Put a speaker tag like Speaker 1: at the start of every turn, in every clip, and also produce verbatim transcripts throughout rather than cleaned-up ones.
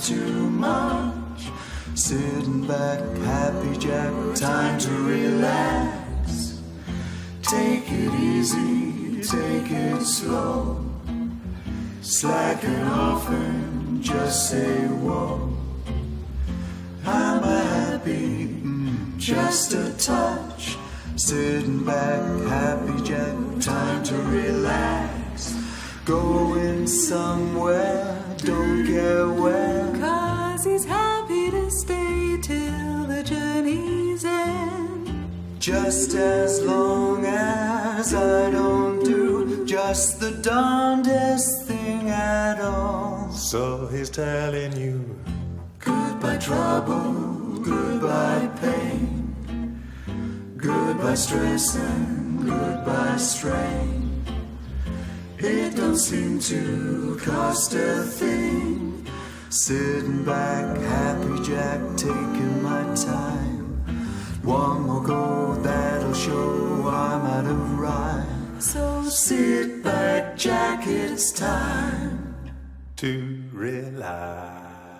Speaker 1: too much. Sitting back, happy Jack, time to relax. Take it easy, take it slow. Slacken off and just say whoa. I'm happy, mm, just a touch. Sitting back, happy Jack, time to relax. Going somewhere, don't care where.
Speaker 2: Cause he's happy to stay till the journey's end.
Speaker 1: Just as long as I don't do just the darndest thing at all.
Speaker 3: So he's telling you,
Speaker 1: goodbye trouble, goodbye pain, goodbye stress and goodbye strain. It don't seem to cost a thing. Sitting back, happy Jack, taking my time. One more go, that'll show I'm out of rhyme.
Speaker 2: So
Speaker 1: Sit back, Jack, it's time
Speaker 3: to relax.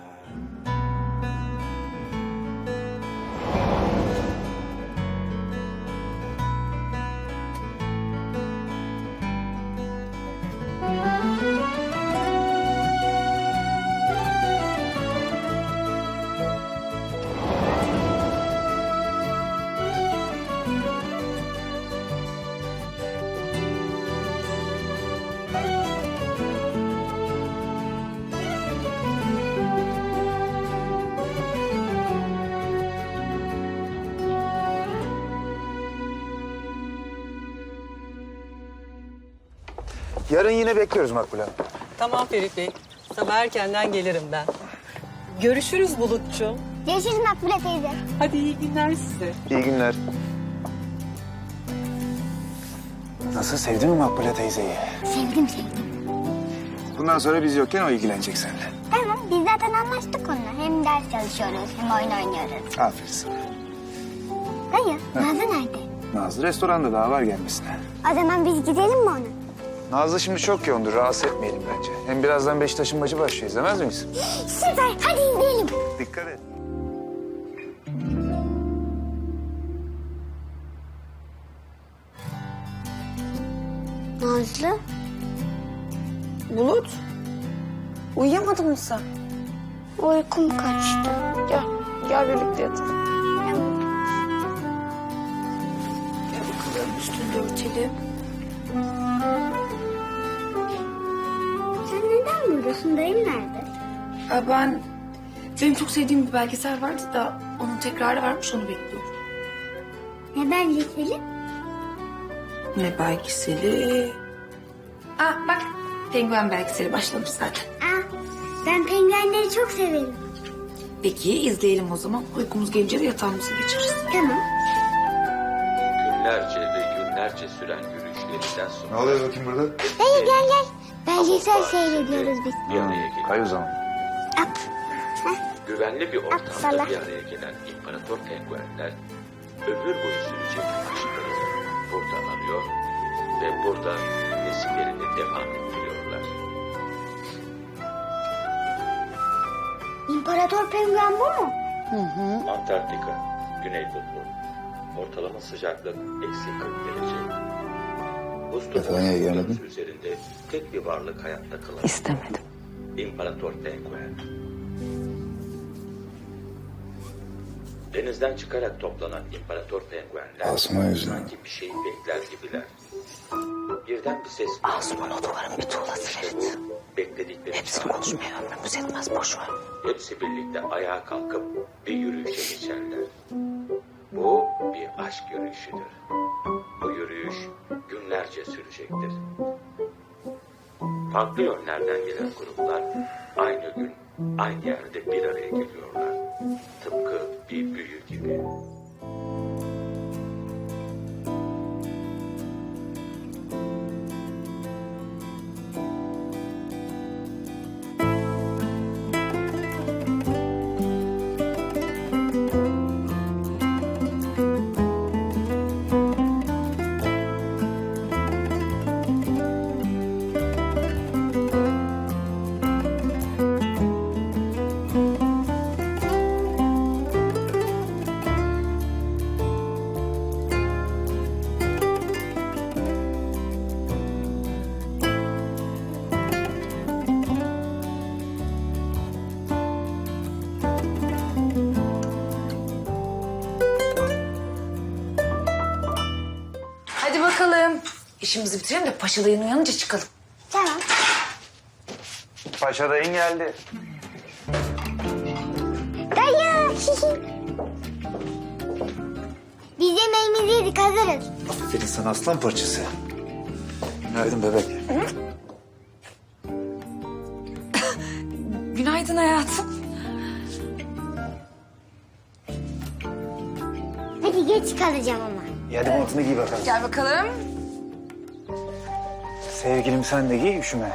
Speaker 4: Yarın yine bekliyoruz Makbule Hanım.
Speaker 5: Tamam Ferit Bey. Sabah erkenden gelirim ben. Görüşürüz Bulutçum.
Speaker 6: Görüşürüz Makbule teyze.
Speaker 5: Hadi iyi günler size.
Speaker 4: İyi günler. Nasıl, sevdin mi Makbule teyzeyi?
Speaker 6: Sevdim sevdim.
Speaker 4: Bundan sonra biz yokken o ilgilenecek seninle.
Speaker 6: Tamam biz zaten anlaştık onunla. Hem ders çalışıyoruz hem oyun oynuyoruz.
Speaker 4: Aferin sana.
Speaker 6: Dayı Nazlı nerede?
Speaker 4: Nazlı restoranda, daha var gelmesine.
Speaker 6: O zaman biz gidelim mi ona?
Speaker 4: Nazlı şimdi çok yoğundur, rahatsız etmeyelim bence. Hem birazdan Beşiktaş'ın maçı başlıyor, izlemez miyiz?
Speaker 6: Süper hadi izleyelim.
Speaker 4: Dikkat et.
Speaker 6: Nazlı?
Speaker 7: Bulut, uyuyamadın mı sen?
Speaker 6: Uykum kaçtı.
Speaker 7: Gel, gel birlikte yatalım. Gel bakalım, üstünde örtelim.
Speaker 6: Sen neden buradasın? Dayım nerede?
Speaker 7: Ya ben, benim çok sevdiğim bir belgesel vardı da onun tekrarı varmış, onu bekliyorum.
Speaker 6: Ne belgeseli?
Speaker 7: Ne belgeseli? Aa bak, penguen belgeseli başlamış zaten.
Speaker 6: Aa, ben penguenleri çok severim.
Speaker 7: Peki izleyelim o zaman. Uykumuz gelince de yatağımıza geçeriz.
Speaker 6: Tamam.
Speaker 8: Günlerce ve günlerce süren yürüyüşlerinden sonra...
Speaker 4: Ne oluyor bakayım burada?
Speaker 6: Dayı gel gel. Belgesel seyrediyoruz biz.
Speaker 8: Bir araya gelen,
Speaker 4: Hay o zaman.
Speaker 6: At.
Speaker 8: güvenli bir ortamda
Speaker 6: Apsala.
Speaker 8: bir araya gelen imparator penguenler... ömür boyu sürecek aşklarını burada arıyor ve burada nesillerini devam ettiriyorlar.
Speaker 6: İmparator penguen bu mu?
Speaker 8: Antarktika, Güney Kutbu. Ortalama sıcaklık eksi kırk derece. Buz
Speaker 4: Japonya'ya gelmedin?
Speaker 8: topu üzerinde tek bir varlık hayatta kalan.
Speaker 5: İstemedim.
Speaker 8: İmparator penguen. Denizden çıkarak toplanan imparator penguenler
Speaker 4: Asuman yüzünden.
Speaker 8: sanki bir şeyi bekler gibiler. Birden bir ses.
Speaker 5: Asuman odaların bir tuğlası
Speaker 8: İşte
Speaker 5: Ferit.
Speaker 8: bu bekledikleri
Speaker 5: Hepsini
Speaker 8: çağrı.
Speaker 5: konuşmaya ömrümüz yetmez, boş ver.
Speaker 8: Hepsi birlikte ayağa kalkıp bir yürüyüşe geçerler. Bu bir aşk yürüyüşüdür. Bu yürüyüş günlerce sürecektir. Farklı yönlerden gelen gruplar aynı gün aynı yerde bir araya geliyorlar. Tıpkı bir büyü gibi.
Speaker 7: işimizi bitirelim de Paşa dayın uyanınca çıkalım.
Speaker 6: Tamam.
Speaker 4: Paşa dayın geldi.
Speaker 6: Dayı. Biz yemeğimizi yedik, hazırız.
Speaker 4: Aferin sana aslan parçası. Günaydın bebek.
Speaker 7: Günaydın hayatım.
Speaker 6: Hadi geç kalacağım ama.
Speaker 4: İyi hadi montunu giy bakalım.
Speaker 7: Gel bakalım.
Speaker 4: Sevgilim sen de giy üşüme.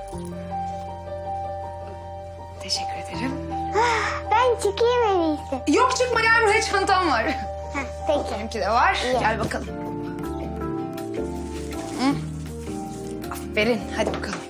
Speaker 7: Teşekkür ederim.
Speaker 6: Ben çıkayım en iyisi.
Speaker 7: Yok çıkma gel buraya çantam var.
Speaker 6: Heh, peki.
Speaker 7: Benimki de var. Gel bakalım. Hı. Aferin hadi bakalım.